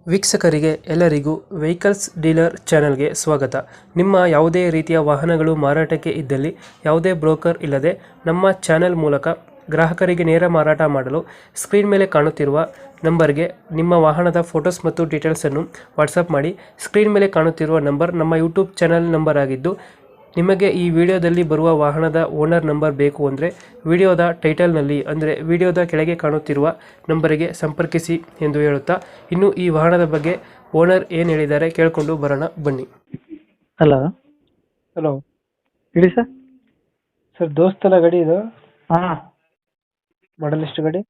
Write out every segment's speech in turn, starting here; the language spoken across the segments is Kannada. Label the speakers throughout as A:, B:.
A: ವೀಕ್ಷಕರಿಗೆ ಎಲ್ಲರಿಗೂ ವೆಹಿಕಲ್ಸ್ ಡೀಲರ್ ಚಾನೆಲ್ಗೆ ಸ್ವಾಗತ. ನಿಮ್ಮ ಯಾವುದೇ ರೀತಿಯ ವಾಹನಗಳು ಮಾರಾಟಕ್ಕೆ ಇದ್ದಲ್ಲಿ ಯಾವುದೇ ಬ್ರೋಕರ್ ಇಲ್ಲದೆ ನಮ್ಮ ಚಾನೆಲ್ ಮೂಲಕ ಗ್ರಾಹಕರಿಗೆ ನೇರ ಮಾರಾಟ ಮಾಡಲು ಸ್ಕ್ರೀನ್ ಮೇಲೆ ಕಾಣುತ್ತಿರುವ ನಂಬರ್ಗೆ ನಿಮ್ಮ ವಾಹನದ ಫೋಟೋಸ್ ಮತ್ತು ಡೀಟೇಲ್ಸನ್ನು ವಾಟ್ಸಪ್ ಮಾಡಿ. ಸ್ಕ್ರೀನ್ ಮೇಲೆ ಕಾಣುತ್ತಿರುವ ನಂಬರ್ ನಮ್ಮ ಯೂಟ್ಯೂಬ್ ಚಾನೆಲ್ ನಂಬರ್ ಆಗಿದ್ದು, ನಿಮಗೆ ಈ ವಿಡಿಯೋದಲ್ಲಿ ಬರುವ ವಾಹನದ ಓನರ್ ನಂಬರ್ ಬೇಕು ಅಂದರೆ ವಿಡಿಯೋದ ಟೈಟಲ್ನಲ್ಲಿ ಅಂದರೆ ವಿಡಿಯೋದ ಕೆಳಗೆ ಕಾಣುತ್ತಿರುವ ನಂಬರಿಗೆ ಸಂಪರ್ಕಿಸಿ ಎಂದು ಹೇಳುತ್ತಾ, ಇನ್ನು ಈ ವಾಹನದ ಬಗ್ಗೆ ಓನರ್ ಏನು ಹೇಳಿದ್ದಾರೆ ಕೇಳಿಕೊಂಡು ಬರೋಣ ಬನ್ನಿ.
B: ಹಲೋ
A: ಹಲೋ
B: ಹೇಳಿ ಸರ್.
A: ಸರ್, ದೋಸ್ತನ ಗಾಡಿ ಇದು,
B: ಹಾಂ,
A: ಮಾಡಲ್ ಎಷ್ಟು ಗಾಡಿ?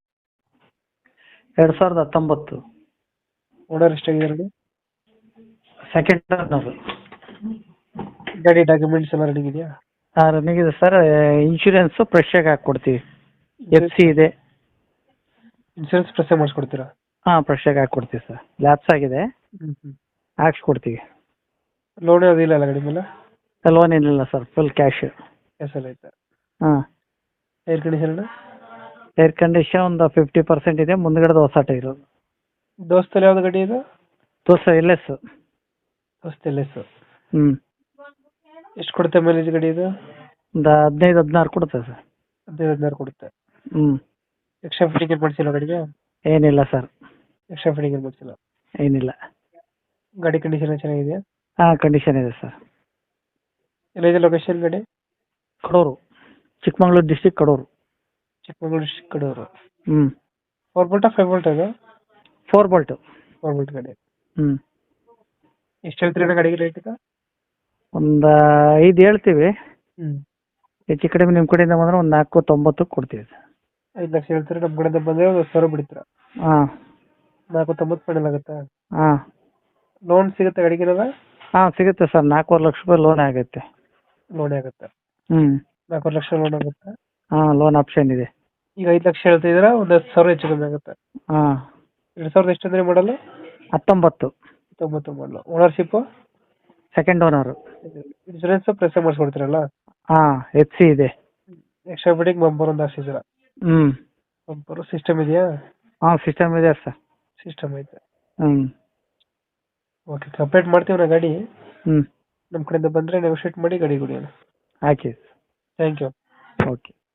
B: 2019
A: ಓನರ್ ಎಷ್ಟಾಗಿದೆ ಗಾಡಿ?
B: ಸೆಕೆಂಡ್ ಟರ್ನರು.
A: ಗಾಡಿ ಡಾಕ್ಯುಮೆಂಟ್ಸ್ ಎಲ್ಲ ರೆಡಿ ಇದೆಯಾ?
B: ಹಾಂ, ರನ್ನಿಂಗ್ ಇದೆ ಸರ್. ಇನ್ಶೂರೆನ್ಸು ಫ್ರೆಶ್ಶಾಗಿ ಹಾಕ್ಕೊಡ್ತೀವಿ. ಎಫ್ ಸಿ ಇದೆ.
A: ಇನ್ಸೂರೆನ್ಸ್ ಪ್ರೆಸ್ ಮಾಡಿಸ್ಕೊಡ್ತೀರಾ?
B: ಹಾಂ, ಫ್ರೆಶ್ಶಾಗಿ ಹಾಕ್ಕೊಡ್ತೀವಿ ಸರ್. ಲ್ಯಾಪ್ಸ್ ಆಗಿದೆ, ಹಾಕ್ಸ್ಕೊಡ್ತೀವಿ.
A: ಲೋನ್ ಅದಿಲ್ಲ ಅಲ್ಲ ಗಾಡಿ ಮೇಲೆ?
B: ಲೋನ್ ಏನಿಲ್ಲ ಸರ್, ಫುಲ್ ಕ್ಯಾಶ್.
A: ಹೆಸರು ಐತೆ.
B: ಹಾಂ,
A: ಏರ್ ಕಂಡೀಷನ್?
B: ಏರ್ ಕಂಡೀಷನ್ ಒಂದು 50% ಇದೆ, ಮುಂದ್ಗಡೆದು ಹೊಸ ಟೈರು.
A: ದೋಸ್ತಲ್ಲಿ ಯಾವ್ದು ಗಾಡಿ ಇದು?
B: Dost L S.
A: Dost L S.
B: ಹ್ಞೂ,
A: ಎಷ್ಟು ಕೊಡುತ್ತೆ ಮೈಲೇಜ್ ಗಾಡಿ ಇದು?
B: ಒಂದು 15-16 ಕೊಡುತ್ತೆ ಸರ್.
A: 15-16 ಕೊಡುತ್ತೆ.
B: ಹ್ಞೂ,
A: ಎಕ್ಸ್ಟ್ರಾ ಫಿಟ್ಟಿಂಗ್ ಏನು ಮಾಡಿಸಿಲ್ಲ ಗಾಡಿಗೆ?
B: ಏನಿಲ್ಲ ಸರ್,
A: ಎಕ್ಸ್ಟ್ರಾ ಫಿಟ್ಟಿಂಗ್ ಏನು ಮಾಡಿಸಿಲ್ಲ.
B: ಏನಿಲ್ಲ.
A: ಗಾಡಿ ಕಂಡೀಷನ್ ಚೆನ್ನಾಗಿದೆಯಾ?
B: ಹಾಂ, ಕಂಡೀಷನ್ ಇದೆ ಸರ್.
A: ಎಲ್ಲಿದೆ ಲೊಕೇಶನ್ ಗಾಡಿ?
B: ಕಡೂರು, ಚಿಕ್ಕಮಗಳೂರು ಡಿಸ್ಟಿಕ್, ಕಡೂರು.
A: ಚಿಕ್ಕಮಗಳೂರು ಡಿಸ್ಟ್ರಿಕ್ಟ್, ಕಡೂರು.
B: ಹ್ಞೂ,
A: 4 ಬೋಲ್ಟಾ 5 ಬೋಲ್ಟ್ ಅದು?
B: 4 ಬೋಲ್ಟು.
A: 4 ಬೋಲ್ಟ್ ಗಾಡಿ.
B: ಹ್ಞೂ,
A: ಎಷ್ಟು ಹೇಳ್ತೀರಿ ಗಾಡಿಗೆ ರೇಟ್ ಈಗ?
B: ಒಂದು 5 ಹೇಳ್ತೀವಿ.
A: ಹ್ಞೂ,
B: ಹೆಚ್ಚು ಕಡಿಮೆ ನಿಮ್ಮ ಕಡೆಯಿಂದ ಬಂದರೆ ಒಂದು 4.90 ಕೊಡ್ತೀವಿ ಸರ್.
A: 5 ಲಕ್ಷ ಹೇಳ್ತೀರಿ, ನಮ್ಮ ಕಡೆಯಿಂದ ಬಂದರೆ ಒಂದು 10,000 ಬಿಡ್ತೀರಾ?
B: ಹಾಂ.
A: 4.90 ಫೈನಲ್ ಆಗುತ್ತಾ?
B: ಹಾಂ.
A: ಲೋನ್ ಸಿಗುತ್ತೆ ಗಾಡಿಗಿರಲ್ಲ?
B: ಹಾಂ, ಸಿಗುತ್ತೆ ಸರ್. 4.25 ಲಕ್ಷ ರೂಪಾಯಿ ಲೋನ್ ಆಗುತ್ತೆ.
A: ಲೋನೇ ಆಗುತ್ತೆ.
B: ಹ್ಞೂ.
A: 4 ಲಕ್ಷ ಲೋನ್ ಆಗುತ್ತೆ.
B: ಹಾಂ, ಲೋನ್ ಆಪ್ಷನ್ ಇದೆ.
A: ಈಗ 5 ಲಕ್ಷ ಹೇಳ್ತಿದ್ದೀರಾ, ಒಂದು 10,000 ಹೆಚ್ಚು ಕಮ್ಮಿ ಆಗುತ್ತೆ.
B: ಹಾಂ.
A: 2000 ಎಷ್ಟು ಅಂದರೆ ಮಾಡಲು?
B: 19
A: 19 ಮಾಡಲು. Ownership?
B: Second owner.
A: Insurance fresh ಮಾಡಿಸ್ಕೊಡ್ತೀರಲ್ಲ?
B: ಹಾಂ, ಎಫ್ ಸಿ ಇದೆ.
A: ಎಕ್ಸ್ಟ್ರಾ ಫಿಟ್ಟಿಂಗ್ ಬಂಪರ್ ಒಂದು ಹಾಕ್ಸಿದ್ದೀರಾ?
B: ಹ್ಞೂ.
A: ಬಂಪರು ಸಿಸ್ಟಮ್ ಇದೆಯಾ?
B: ಹಾಂ, ಸಿಸ್ಟಮ್ ಇದೆ ಸರ್.
A: ಸಿಸ್ಟಮ್ ಐತೆ.
B: ಹ್ಞೂ.
A: ಓಕೆ, ಕಂಪ್ಲೀಟ್ ಮಾಡ್ತೀವಿ ನಾ ಗಾಡಿ.
B: ಹ್ಞೂ,
A: ನಮ್ಮ ಕಡೆಯಿಂದ ಬಂದರೆ ನೆಗೋಷಿಯೇಟ್ ಮಾಡಿ ಗಾಡಿ ಕೊಡಿ.
B: ಹಾಕಿ.
A: Thank you.
B: ಓಕೆ.